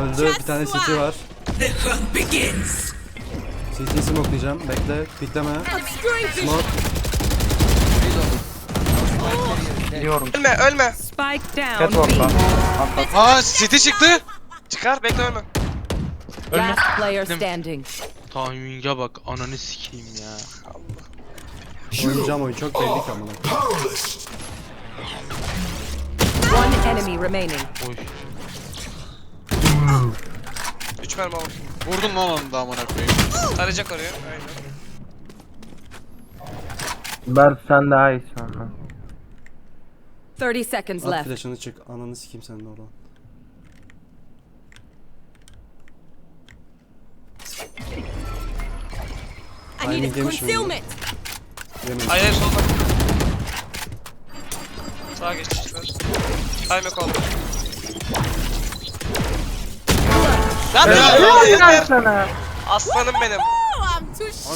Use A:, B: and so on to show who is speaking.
A: öldü. Bir tane CT var. CT'yi smokelayacağım. Bekle. Pikleme. Smoke.
B: Biliyorum.
C: Ölme.
D: Spike down.
B: Catwalk'tan.
C: Aa City çıktı. Çıkar bekle ölme.
D: Last player standing.
E: Timing'e bak ananı sikeyim ya.
A: Oynayacağım oyun çok belli ki amına.
D: One enemy remaining.
E: Oy.
C: 3 mermi alır.
F: Vurdun lan onu da amına koyayım.
C: Tarayacak oraya. Aynen.
B: Berk sen daha iyisin. Aha.
D: 30 seconds
A: At
D: left.
A: flash'ını çık. Ananı sikeyim senin de oradan. Timing yemiş mi? Yemiş.
C: Hayır solda. Sağa geçmişler. Time yok oldu. Lan
B: Helal
C: yeter.
B: sana.
C: Aslanım benim.